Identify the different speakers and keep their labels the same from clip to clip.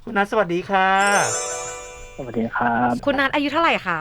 Speaker 1: คุณนัทสวัสดีค่ะ
Speaker 2: สวัสดีครับ
Speaker 3: คุณนัทอายุเท่าไหร่คะ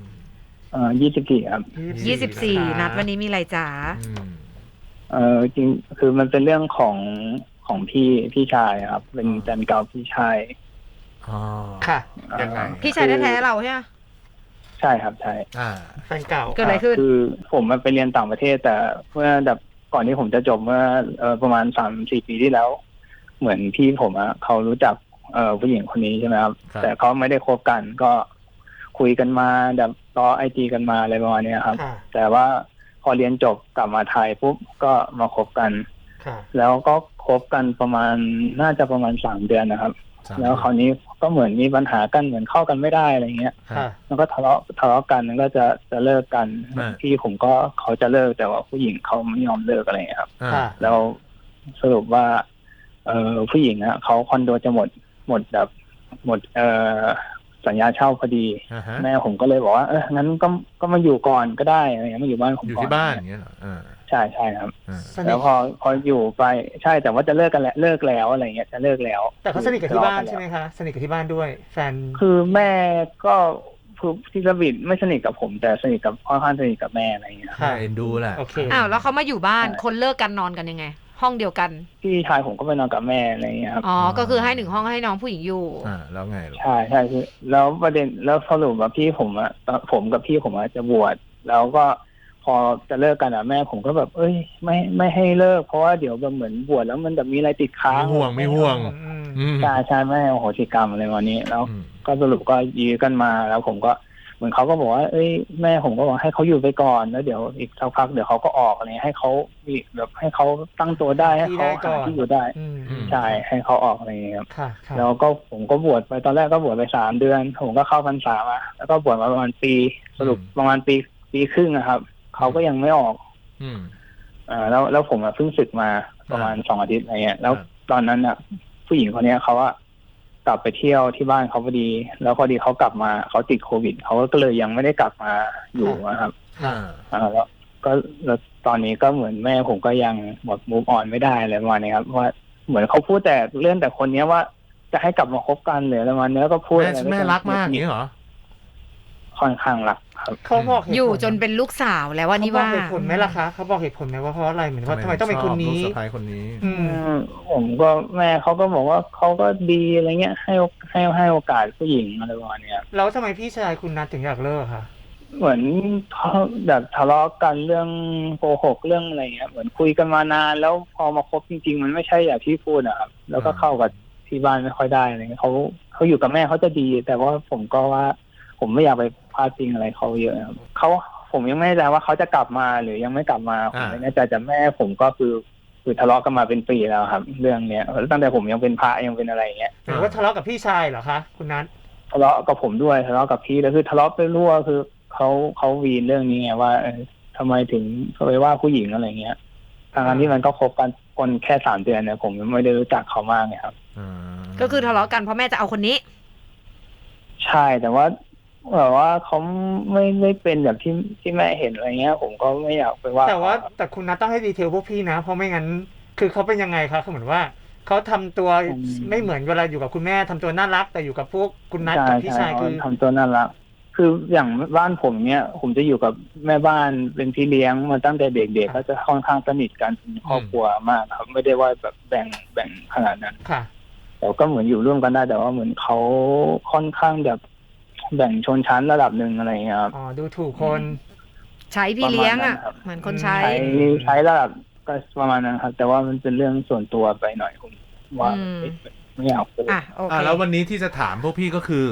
Speaker 2: 24ครับ
Speaker 3: 24นัทวันนี้มีอะไรจ๋า
Speaker 2: จริงคือมันเป็นเรื่องของพี่ชายครับเป็นแฟนเก่าพี่ชาย
Speaker 1: ค่ะ
Speaker 4: ยังไง
Speaker 3: พี่ชายแท้ๆเราใช่ไหม
Speaker 2: ใช่ครับใช่
Speaker 1: แฟนเก่า
Speaker 3: เกิดอะไรขึ้น
Speaker 2: คือผมไปเรียนต่างประเทศแต่เมื่อแบบก่อนที่ผมจะจบเมื่อประมาณ3-4 ปีที่แล้วเหมือนพี่ผมเขารู้จักผู้หญิงคนนี้ใช่ไหมครับแต่เขาไม่ได้คบกันก็คุยกันมาแบบต่อIGกันมาอะไรประมาณนี้ครับแต่ว่าพอเรียนจบกลับมาไทยปุ๊บก็มาคบกันแล้วก็คบกันประมาณน่าจะประมาณ3 เดือนนะครับแล้วคราวนี้ก็เหมือนมีปัญหากันเหมือนเข้ากันไม่ได้อะไรเงี้ยแล้วก็ทะเลาะกันแล้วก็จะเลิกกันพี่ผมก็เขาจะเลิกแต่ว่าผู้หญิงเขาไม่ยอมเลิกอะไรเงี้ยครับแล้วสรุปว่าผู้หญิงเขาคอนโดจะหมดแบบหมดสัญญาเช่าพอดีแม่ผมก็เลยบอกว่างั้นก็มาอยู่ก่อนก็ได้อะไรเงี้ยมาอยู่บ้านผมก่อน
Speaker 4: อยู่ที่บ้านอย่างเงี้ยเหรอ
Speaker 2: ใช่ครับแล้วพออยู่ไปใช่แต่ว่าจะเลิกกันแล้วเลิกแล้วอะไรเงี้ยจะเลิกแล้ว
Speaker 1: แต่เขาสนิทกับที่บ้านใช่ไหมคะสนิทกับที่บ้านด้วยแฟน
Speaker 2: คือแม่ก็คือที่สวิตไม่สนิทกับผมแต่สนิทกับพ่อข้างสนิทกับแม่อะไรเงี้ย
Speaker 4: เอ็นดูแหละ
Speaker 1: โอเค
Speaker 3: แล้วเขามาอยู่บ้านคนเลิกกันนอนกันยังไงห้องเดียวกัน
Speaker 2: พี่ชายผมก็ไปนอนกับแม่อะไรเงี้ยครับ
Speaker 3: ก็คือให้1 ห้องให้น้องผู้หญิงอยู่
Speaker 4: แล้วไง
Speaker 2: ใช่คือแล้วประเด็นแล้วสรุปว่าพี่ผมผมกับพี่ผมจะบวชแล้วก็พอจะเลิกกันแม่ผมก็แบบไม่ให้เลิกเพราะว่าเดี๋ยวแบบเหมือนบวชแล้วมันแบบมีอะไรติดค้าง
Speaker 4: ไม่ห่วง
Speaker 2: ใช่ไม่ให้โอโหสิกรรมอะไรวันนี้แล้วก็สรุปก็ยื้อกันมาแล้วผมก็เหมือนเขาก็บอกว่าแม่ผมก็บอกให้เขาอยู่ไปก่อนแล้วเดี๋ยวอีกสักพักเดี๋ยวเขาก็ออกอะไรให้เขาแบบให้เขาตั้งตัวได้ให้เขาหาที่อยู่ได้ใช่ให้เขาออกอะไรอย่างเงี้ยครับแล้วก็ผมก็บวชไปตอนแรกก็บวชไป3 เดือนผมก็เข้าพรรษามาแล้วก็บวชมาประมาณปีสรุปประมาณปีครึ่งนะครับเขาก็ยังไม่ออกแล้วผมเพิ่งศึกมาประมาณ2 อาทิตย์อะไรเงี้ยแล้วตอนนั้นผู้หญิงคนนี้เขากลับไปเที่ยวที่บ้านเขาพอดีแล้วพอดีเขากลับมาเขาติดโควิดเขาก็เลยยังไม่ได้กลับมาอยู่นะครับแล้วก็แล้วตอนนี้ก็เหมือนแม่ผมก็ยังหมดมูฟออนไม่ได้อะไรประมาณนี้ครับว่าเหมือนเขาพูดแต่เรื่องแต่คนนี้ว่าจะให้กลับมาคบกันหรืออะไรประมาณนี้ก็พูด
Speaker 4: แม่รักมากอย่างนี้เหรอ
Speaker 2: ค่อนข้างรักครับ
Speaker 1: เขาบอก
Speaker 3: อยู่จนเป็นลูกสาวแล้วว่านี่ว่า
Speaker 1: เขาบอกเหตุผลไหมล่ะคะเขาบอกเหตุผลไหมว่าเพราะอะไรเหมือนว่าทำไมต้องเป็นคนนี้
Speaker 4: ลูกสะใภ้คนนี้
Speaker 2: ผมก็แม่เขาก็บอกว่าเขาก็ดีอะไรเงี้ยให้โอกาสผู้หญิงอะไรประมาณนี้
Speaker 1: แล้วทำไมพี่ชายคุณนัทถึงอยากเลิกคะ
Speaker 2: เหมือนเขาแบบทะเลาะกันเรื่องโกหกเรื่องอะไรเงี้ยเหมือนคุยกันมานานแล้วพอมาคบจริงๆมันไม่ใช่อย่างที่พูดนะครับแล้วก็เข้ากับที่บ้านไม่ค่อยได้อะไรเงี้ยเขาอยู่กับแม่เขาจะดีแต่ว่าผมก็ว่าผมไม่อยากไปพาดพิงอะไรเขาเยอะครับผมยังไม่แน่ใจว่าเขาจะกลับมาหรือยังไม่กลับมาผมไม่แน่ใจแต่แม่ผมก็คือทะเลาะกันมาเป็นปีแล้วครับเรื่องเนี้ยตั้งแต่ผมยังเป็นพระยังเป็นอะไรเงี้ย
Speaker 1: หรือว่าทะเลาะกับพี่ชายเหรอคะคุณนัท
Speaker 2: ทะเลาะกับผมด้วยทะเลาะกับพี่แล้วคือทะเลาะไปรั่วคือเขาวีนเรื่องนี้ไงว่าทำไมถึงเขาไปว่าผู้หญิงอะไรเงี้ยทางที่มันก็คบกันคนแค่3 เดือนเนี่ยผมไม่ได้รู้จักเขามากไงครับ
Speaker 3: ก็คือทะเลาะกันเพราะแม่จะเอาคนนี้
Speaker 2: ใช่แต่ว่าแบบว่าเขาไม่เป็นแบบที่แม่เห็นอะไรเงี้ยผมก็ไม่อยากไปว่า
Speaker 1: แต่คุณนัทต้องให้ดีเทลพวกพี่นะเพราะไม่งั้นคือเขาเป็นยังไงคะเขาเหมือนว่าเขาทำตัวไม่เหมือนเวลาอยู่กับคุณแม่ทำตัวน่ารักแต่อยู่กับพวกคุณนัทกับพี่ชายคือ
Speaker 2: ทำตัวน่ารักคืออย่างบ้านผมเนี่ยผมจะอยู่กับแม่บ้านเป็นพี่เลี้ยงมาตั้งแต่เด็กๆเขาจะค่อนข้างสนิทกันเป็นครอบครัวมากครับไม่ได้ว่าแบบแบ่งขนาดนั้น
Speaker 1: ค่ะ
Speaker 2: แต่ก็เหมือนอยู่ร่วมกันได้แต่ว่าเหมือนเขาค่อนข้างแบบแบ่งชนชั้นระดับหนึ่งอะไรเงี้ยครับ
Speaker 1: ดูถูกคน
Speaker 3: ใช้พี่เลี้ยงเหมือนคนใ
Speaker 2: ช้ระดับก็ประมาณนั้นครับแต่ว่ามันเป็นเรื่องส่วนตัวไปหน่อยผมว่าไม่อยากพูด
Speaker 4: แล้ววันนี้ที่จะถามพวกพี่ก็คือ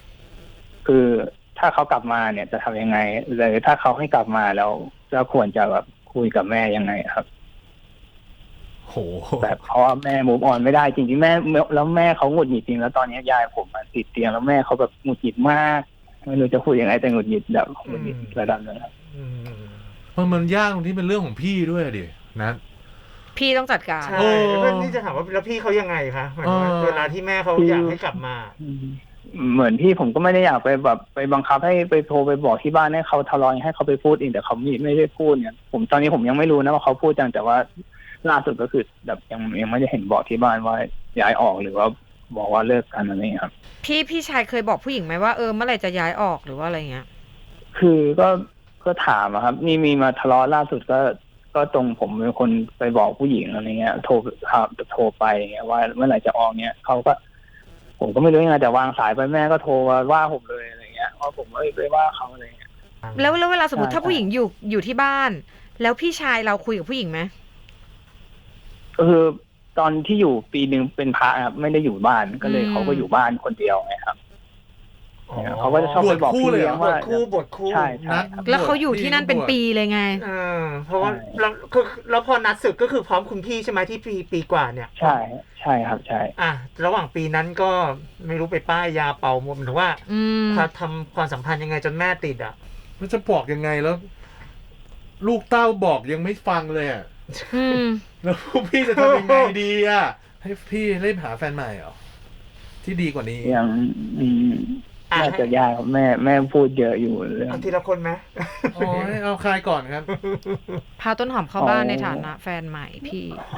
Speaker 2: ถ้าเขากลับมาเนี่ยจะทำยังไงหรือถ้าเขาไม่กลับมาแล้วจะควรจะแบบคุยกับแม่ยังไงครับ
Speaker 4: โห
Speaker 2: แบบเพราะว่าแม่มูฟออนไม่ได้จริงๆแม่แล้วแม่เขาหงุดหงิดจริงแล้วตอนนี้ยายผมติดเตียงแล้วแม่เขาแบบหงุดหงิดมากไม่รู้จะพูดยังไงแต่หงุดหงิดแบบหงุดหงิดระดับนึงครับ
Speaker 4: มันยากตรงที่เป็นเรื่องของพี่ด้วยดินะ
Speaker 3: พี่ต้องจัดการ
Speaker 1: ใช่นี่จะถามว่าแล้วพี่เขายังไงคะเวลาที่แม่เขาอยากให้กลับมา
Speaker 2: เหมือนพี่ผมก็ไม่ได้อยากไปแบบไปบังคับให้ไปโทรไปบอกที่บ้านให้เขาทะเลาะให้เขาไปพูดเองแต่เขาไม่ได้พูดเนี่ยตอนนี้ผมยังไม่รู้นะว่าเขาพูดจังแต่ว่าล่าสุดก็คือแบบยังไม่ได้เห็นบอกที่บ้านว่าย้ายออกหรือว่าบอกว่าเลิกกันอะไรครับ
Speaker 3: พี่ชายเคยบอกผู้หญิงไหมว่าเมื่อไหร่จะย้ายออกหรือว่าอะไรเงี้ย
Speaker 2: คือก็ถามอะครับนี่มีมาทะเลาะล่าสุดก็ตรงผมเป็นคนไปบอกผู้หญิงอะไรเงี้ยโทรไปเงี้ยว่าเมื่อไหร่จะออกเงี้ยเขาก็ผมก็ไม่รู้ยังไงแต่วางสายไปแม่ก็โทรมาว่าผมเลยอะไรเงี้ยว่าผมไปว่าเขาอะไรเงี้ย
Speaker 3: แล้วเวลาสมมติ
Speaker 2: ใช่
Speaker 3: ถ้าผู้หญิงอยู่ที่บ้าน แล้วพี่ชายเราคุยกับผู้หญิงไหม
Speaker 2: ก็คือตอนที่อยู่ปีหนึ่งเป็นพระครับไม่ได้อยู่บ้านก็เลยเขาก็อยู่บ้านคนเดียวไงครับเขาก็จะชอบไปบอกพี่เลี้ยง
Speaker 1: บว
Speaker 2: ว่า
Speaker 1: ชคู่
Speaker 2: ใช่ครับ
Speaker 3: แล้วเขาอยู่ที่นั่นเป็นปีเลยไง
Speaker 1: เพราะว่า
Speaker 2: ใช่
Speaker 1: แล้วพอนัดศึกก็คือพร้อมคุณพี่ใช่ไหมที่ปีกว่าเนี่ย
Speaker 2: ใช่ครับใช่
Speaker 1: ระหว่างปีนั้นก็ไม่รู้ไปป้ายยาเป่าหมดหรือว่าทำความสัมพันธ์ยังไงจนแม่ติดอ่ะ
Speaker 4: มันจะบอกยังไงแล้ว ลูกเต้าบอกยังไม่ฟังเลยอ่ะแล้วพี่จะทำยังไงดีอ่ะให้พี่รีบหาแฟนใหม่เหรอที่ดีกว่านี้
Speaker 2: ยังน่าจะยากครับแม่พูดเยอะอยู่เรื่อง
Speaker 1: เอาทีละคนไหม
Speaker 4: อ๋อให้เอาใครก่อนครับ
Speaker 3: พาต้นหอมเข้าบ้านในฐานะแฟนใหม่พี่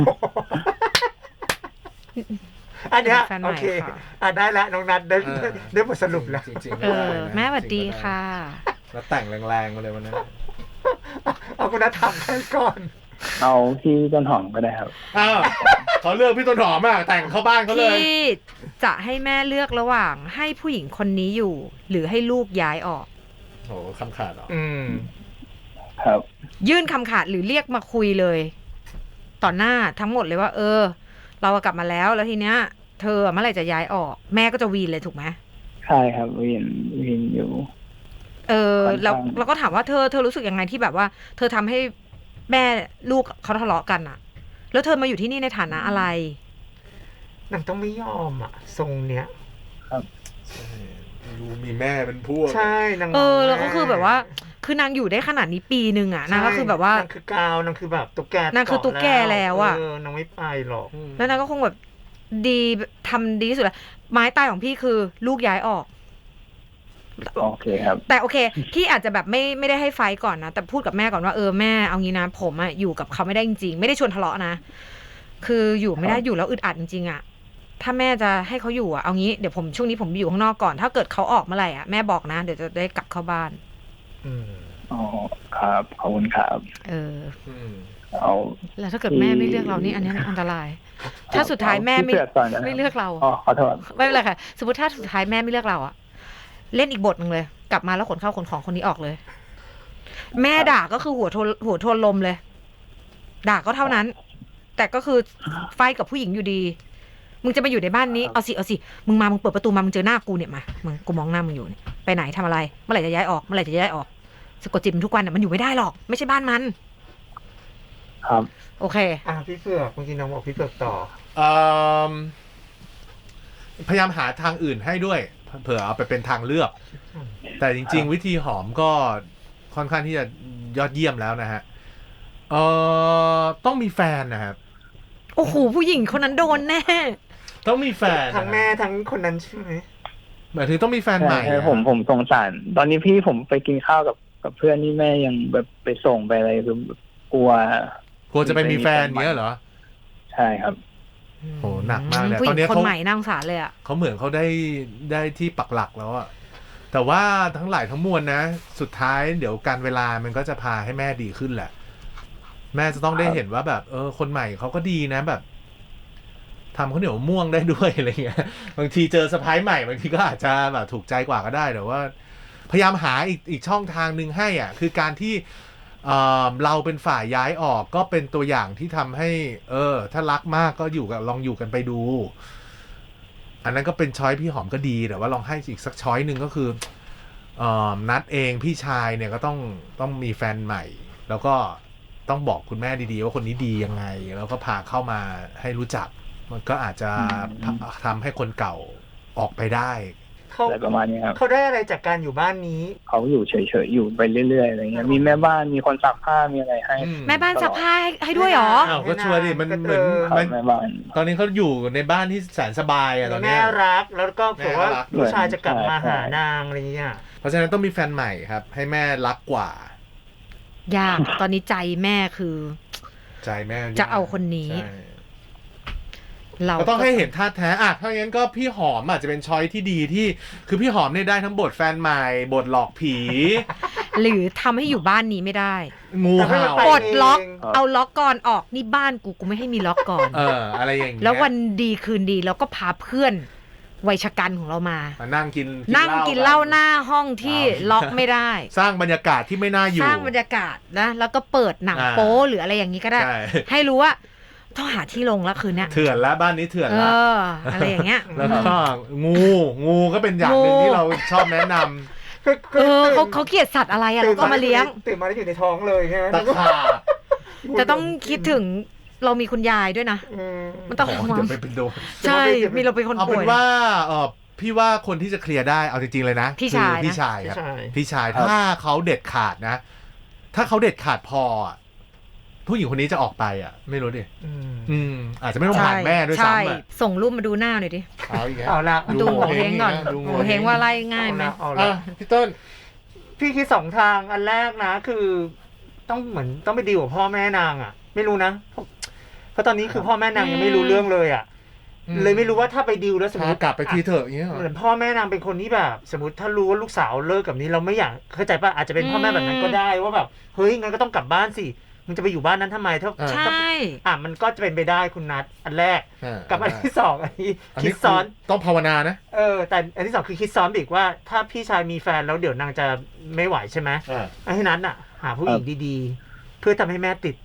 Speaker 1: อันเนี้ย
Speaker 3: แฟนใหม่
Speaker 1: โอเค
Speaker 3: ค่ะ
Speaker 1: ได้แล้วน้องนัทได้บทสรุปแล้ว
Speaker 4: จริงๆไม่ได้นะ
Speaker 3: แม่สวัสดีค่ะ
Speaker 4: แล้วแต่งแรงๆมาเลยวันนั้น
Speaker 1: เอาคุณนัททำให้ก่อน
Speaker 2: เอาพี่ต้นหอมก็ได้ครับ
Speaker 4: อ้าวเขาเลือกพี่ต้นหอมอ่ะแต่งเข้าบ้านเขาเลย
Speaker 3: พี่จะให้แม่เลือกระหว่างให้ผู้หญิงคนนี้อยู่ หรือให้ลูกย้ายออก
Speaker 4: โหคำขาดเหรอ
Speaker 2: ครับ
Speaker 3: ยื่นคำขาดหรือเรียกมาคุยเลย ต่อหน้าทั้งหมดเลยว่า เรากลับมาแล้วทีเนี้ย เธอเมื่อไหร่จะย้ายออก แม่ก็จะวีนเลยถูกไหม
Speaker 2: ใช่ครับวินอยู่
Speaker 3: แล้วก็ถามว่าเธอรู้สึกยังไงที่แบบว่า เธอทำให้แม่ลูกเขาทะเลาะกันอะแล้วเธอมาอยู่ที่นี่ในฐานะอะไร
Speaker 1: นางต้องไม่ยอมอ่ะทรงเนี้ย
Speaker 4: ดูมีแม่เป็นพวก
Speaker 1: ใช่นาง
Speaker 3: แล้วก็คือแบบว่า คือนางอยู่ได้ขนาดนี้ปีนึงอะนางก็คือแบบว่าน
Speaker 1: างคือกาวนางคือแบบตุ๊กแก
Speaker 3: นางคือตุ๊กแกแล้วอะ
Speaker 1: นางไม่ไปหรอก
Speaker 3: แล้วนางก็คงแบบดีทำดีที่สุดแล้วไม้ตายของพี่คือลูกย้ายออก
Speaker 2: โอเคครับ
Speaker 3: แต่โอเคพี่อาจจะแบบไม่ได้ให้ไฟก่อนนะแต่พูดกับแม่ก่อนว่าแม่เอางี้นะผมอะอยู่กับเขาไม่ได้จริงๆไม่ได้ชวนทะเลาะนะคืออยู่ไม่ได้อยู่แล้วอึดอัดจริงๆอะถ้าแม่จะให้เขาอยู่อะเอางี้เดี๋ยวผมช่วงนี้ผมอยู่ข้างนอกก่อนถ้าเกิดเขาออกเมื่อไหร่อะแม่บอกนะเดี๋ยวจะได้กลับเข้าบ้าน
Speaker 2: อ๋อครับขอบคุณครับเอา
Speaker 3: แล้วถ้าเกิดแม่ไม่เลือกเรานี่อันนี้อันตราย ถ้าสุดท้ายแม่ไม่เลือกเรา
Speaker 2: อ๋อขอโทษ
Speaker 3: ไม่เป็นไรค่ะสมมติถ้าสุดท้ายแม่ไม่เลือกเราอะเล่นอีกบทหนึ่งเลย กลับมาแล้วขนข้าวขนของคนนี้ออกเลย แม่ด่าก็คือหัวโทนลมเลย ด่าก็เท่านั้น แต่ก็คือไฟกับผู้หญิงอยู่ดี มึงจะมาอยู่ในบ้านนี้เอาสิมึงเปิดประตูมามึงเจอหน้ากูเนี่ยมามึงกูมองหน้ามึงอยู่เนี่ยไปไหนทำอะไรเมื่อไหร่จะย้ายออกสะกดจิตมันทุกวันมันอยู่ไม่ได้หรอกไม่ใช่บ้านมัน
Speaker 2: ครับ
Speaker 3: โอเค
Speaker 1: พี่เผือกเมื่อกี้น้องบอกพี่เผือกต่อ
Speaker 4: พยายามหาทางอื่นให้ด้วยเผื่อเอาไปเป็นทางเลือกแต่จริงๆวิธีหอมก็ค่อนข้างที่จะยอดเยี่ยมแล้วนะฮะต้องมีแฟนนะครับ
Speaker 3: โอ้โหผู้หญิงคนนั้นโดนแน่
Speaker 4: ต้องมีแฟน
Speaker 1: ทั้งแม่ทั้งคนนั้นใช่ไหม
Speaker 4: หมายถึงต้องมีแฟนใหม่
Speaker 2: ผมสงสารตอนนี้พี่ผมไปกินข้าวกับเพื่อนนี่แม่ยังแบบไปส่งไปอะไรคือกลัว
Speaker 4: จะไปมีแฟนเงี้ยเหรอ
Speaker 2: ใช่ครับ
Speaker 4: โหหนักมากเลย
Speaker 3: ตอนนี้คนใหม่น่าสงสารเลยอ่ะ
Speaker 4: เขาเหมือนเขาได้ที่ปักหลักแล้วอ่ะแต่ว่าทั้งหลายทั้งมวลนะสุดท้ายเดี๋ยวการเวลามันก็จะพาให้แม่ดีขึ้นแหละแม่จะต้องได้เห็นว่าแบบคนใหม่เขาก็ดีนะแบบทำข้าวเหนียวม่วงได้ด้วยอะไรเงี้ยบางทีเจอสะพ้ายใหม่บางทีก็อาจจะแบบถูกใจกว่าก็ได้แต่ว่าพยายามหาอีกช่องทางนึงให้อ่ะคือการที่เราเป็นฝ่ายย้ายออกก็เป็นตัวอย่างที่ทำให้ถ้ารักมากก็ลองอยู่กันไปดูอันนั้นก็เป็นช้อยพี่หอมก็ดีแต่ว่าลองให้อีกสักช้อยนึงก็คือนัดเองพี่ชายเนี่ยก็ต้องมีแฟนใหม่แล้วก็ต้องบอกคุณแม่ดีๆว่าคนนี้ดียังไงแล้วก็พาเข้ามาให้รู้จักมันก็อาจจะทำให้คนเก่าออกไปได้
Speaker 2: อะไรประมาณนี้ครับ
Speaker 1: เขาได้อะไรจากการอยู่บ้านนี้
Speaker 2: เขาอยู่เฉยๆอยู่ไปเรื่อยๆอะไรเงี้ยมีแม่บ้านมีคนซักผ้ามีอะไรให้
Speaker 3: แม่บ้านซักผ้าให้ด้วยหรอ
Speaker 4: ก็ช่วยดิมันเหมือน
Speaker 2: แม่บ้าน
Speaker 4: ตอนนี้เขาอยู่ในบ้านที่แสนสบายอ่ะตอนนี้
Speaker 1: แม่รักแล้วก็เผื่อว่าผู้ชายจะกลับมาหานางอะไรเงี้ย
Speaker 4: เพราะฉะนั้นต้องมีแฟนใหม่ครับให้แม่รักกว่
Speaker 3: ายากตอนนี้ใจแม่คือ
Speaker 4: ใจแม่
Speaker 3: จะเอาคนนี้เรา
Speaker 4: ก็ต้องให้เห็นท่าแท้อ่ะถ้างั้นก็พี่หอมอาจจะเป็นช้อยที่ดีที่คือพี่หอมเนี่ยได้ทั้งบทแฟนใหม่บทหลอกผี
Speaker 3: หรือทำให้อยู่บ้านนี้ไม่ได้
Speaker 4: งูเห่า
Speaker 3: ปลดล็อกเอาล็อกก่อนออกนี่บ้านกูไม่ให้มีล็อกก่อน
Speaker 4: อะไรอย่างเงี้ย
Speaker 3: แล้ววันดีคืนดีแล้วก็พาเพื่อนวัยชะกันของเรามา
Speaker 4: นั่งกิน
Speaker 3: กินเหล้าหน้าห้องที่ล็อกไม่ได้
Speaker 4: สร้างบรรยากาศที่ไม่น่าอยู่
Speaker 3: สร้างบรรยากาศนะแล้วก็เปิดหนังโป๊หรืออะไรอย่างนี้ก็ได้ ให้รู้ว่าต้องหาที่ลงแล้วคืนเนี้ย
Speaker 4: เถื่อนแล้วบ้านนี้เถื่อนแล้ว
Speaker 3: อะไรอย่างเงี้ย
Speaker 4: แล้วก็งูก็เป็นอย่างหนึ่งที่เราชอบแนะนำ
Speaker 3: เขาเกลียดสัตว์อะไรอะแล้วก็มาเลี้ยง
Speaker 1: ตื่นมาแล้วอยู่ในท้องเลยใช่ไหม
Speaker 4: ตะขาบ
Speaker 3: จะต้องคิดถึงเรามีคุณยายด้วยนะมันต้อง
Speaker 4: เดี๋ยวไปเป็นโดน
Speaker 3: ใช่มีเราเป็นคนป่วย
Speaker 4: เอาเป็นว่าพี่ว่าคนที่จะเคลียร์ได้เอาจริงๆเลยนะ
Speaker 3: พี่ชาย
Speaker 4: ครับพี่ชายถ้าเขาเด็ดขาดนะถ้าเขาเด็ดขาดพอผู้หญิงคนนี้จะออกไปไม่รู้ดิอาจจะไม่ต้องผ่านแม่ด้วยซ้ำ
Speaker 3: ส่งรูปมาดูหน้าหน่อยดิ
Speaker 1: เอาละ
Speaker 3: ดูโงเฮงก่อนโงเฮงว่าไล่ง่ายไหม
Speaker 4: พี่ต้น
Speaker 1: พี่คิดสองทางอันแรกนะคือต้องเหมือนต้องไปดีลกับพ่อแม่นางไม่รู้นะเพราะตอนนี้คือพ่อแม่นางยังไม่รู้เรื่องเลยเลยไม่รู้ว่าถ้าไปดีลแล้วสมมติ
Speaker 4: กลับไปทีเถอะอย่างเงี้ย
Speaker 1: เหมือนพ่อแม่นางเป็นคนที่แบบสมมติถ้ารู้ว่าลูกสาวเลิกกับนี้เราไม่อยากเข้าใจป่ะอาจจะเป็นพ่อแม่แบบนั้นก็ได้ว่าแบบเฮ้ยงั้นก็ต้องกลับบ้านสิมึงจะไปอยู่บ้านนั้นทำไม
Speaker 3: ใช่
Speaker 1: มันก็จะเป็นไปได้คุณนัทอันแรกกับอันที่สองอันนี้คิดซ้อน
Speaker 4: ต้องภาวนานะ
Speaker 1: แต่อันที่สองคือคิดซ้อนอีกว่าถ้าพี่ชายมีแฟนแล้วเดี๋ยวนางจะไม่ไหวใช่ไหมให้นัทหาผู้หญิงดีๆเพื่อทำให้แม่ติด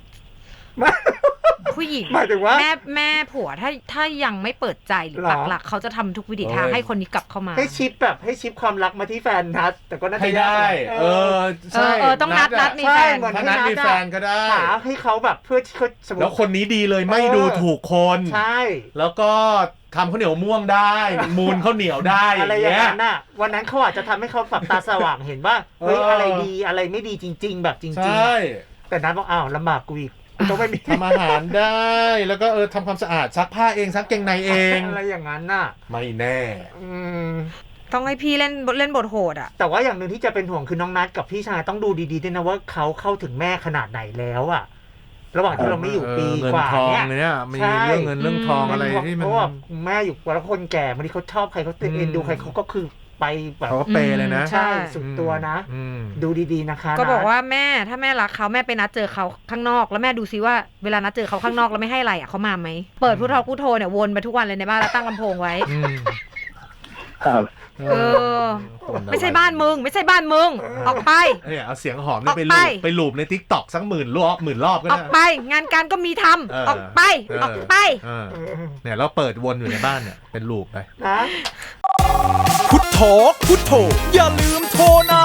Speaker 3: ผู้หญิง
Speaker 1: หมายถึงว่า
Speaker 3: แม่ผัวถ้ายังไม่เปิดใจหรือปักหลักเขาจะทำทุกวิถีทางให้คนนี้กลับเข้ามา
Speaker 1: ให้ชิปความรักมาที่แฟนนัดแต่ก็น่าจะ
Speaker 4: ได้
Speaker 3: ใช่ต้องนัดมีแฟน
Speaker 4: ถ้านัดมีแฟนก็ได้
Speaker 1: หาให้เขาแบบเพื่อที่เขาสมมติ
Speaker 4: แล้วคนนี้ดีเลยไม่ดูถูกคน
Speaker 1: ใช่
Speaker 4: แล้วก็ทำข้าวเหนียวม่วงได้มูนข้าวเหนียวได้
Speaker 1: อะไรอย่างนั้นน่ะวันนั้นเขาอาจจะทำให้เขาฝักตาสว่างเห็นว่าเฮ้ยอะไรดีอะไรไม่ดีจริงๆแบบจริงๆแต่นัดบอกอ้าวลำบากกูอีกต้องไม่มี
Speaker 4: ทำอาหารได้แล้วก็ทำความสะอาดซักผ้าเองซักเกงในเอง
Speaker 1: อะไรอย่างนั้นน่ะ
Speaker 4: ไม่แน่
Speaker 3: ต้องให้พี่เล่นบทโหด
Speaker 1: แต่ว่าอย่างหนึ่งที่จะเป็นห่วงคือน้องนัทกับพี่ชายต้องดูดีๆด้วยนะว่าเขาเข้าถึงแม่ขนาดไหนแล้วระหว่างที่เราไม่อยู่ปีกว่า
Speaker 4: เนี่ยมีเรื่องเงินเรื่องทองอะไรที่มันเพราะ
Speaker 1: ว่าแม่อยู่แล้วคนแก่บางทีเขาชอบใครเขาเอ็นดูใครเขาก็คือไปแบบ
Speaker 4: เขาเปเลยนะ
Speaker 1: ใช่สุดตัวนะดูดีๆนะคะ
Speaker 3: ก็บอกว่าแม่ถ้าแม่รักเขาแม่ไปนัดเจอเขาข้างนอกแล้วแม่ดูซิว่าเวลานัดเจอเขาข้างนอกแล้วไม่ให้อะไรเขามาไหมเปิดพุทโธเนี่ยวนไปทุกวันเลยในบ้านแล้วตั้งลำโพงไว้
Speaker 2: ครับ
Speaker 3: ไม่ใช่บ้านมึงไม่ใช่บ้านมึงออกไป
Speaker 4: เอาเสียงหอมไปลูบใน TikTok สัก10,000 รอบก็ได้
Speaker 3: ออกไปงานการก็มีทำออกไป
Speaker 4: เนี่ยเราเปิดวนอยู่ในบ้านเนี่ยเป็นลูบไป
Speaker 5: พุทโธอย่าลืมโทรนะ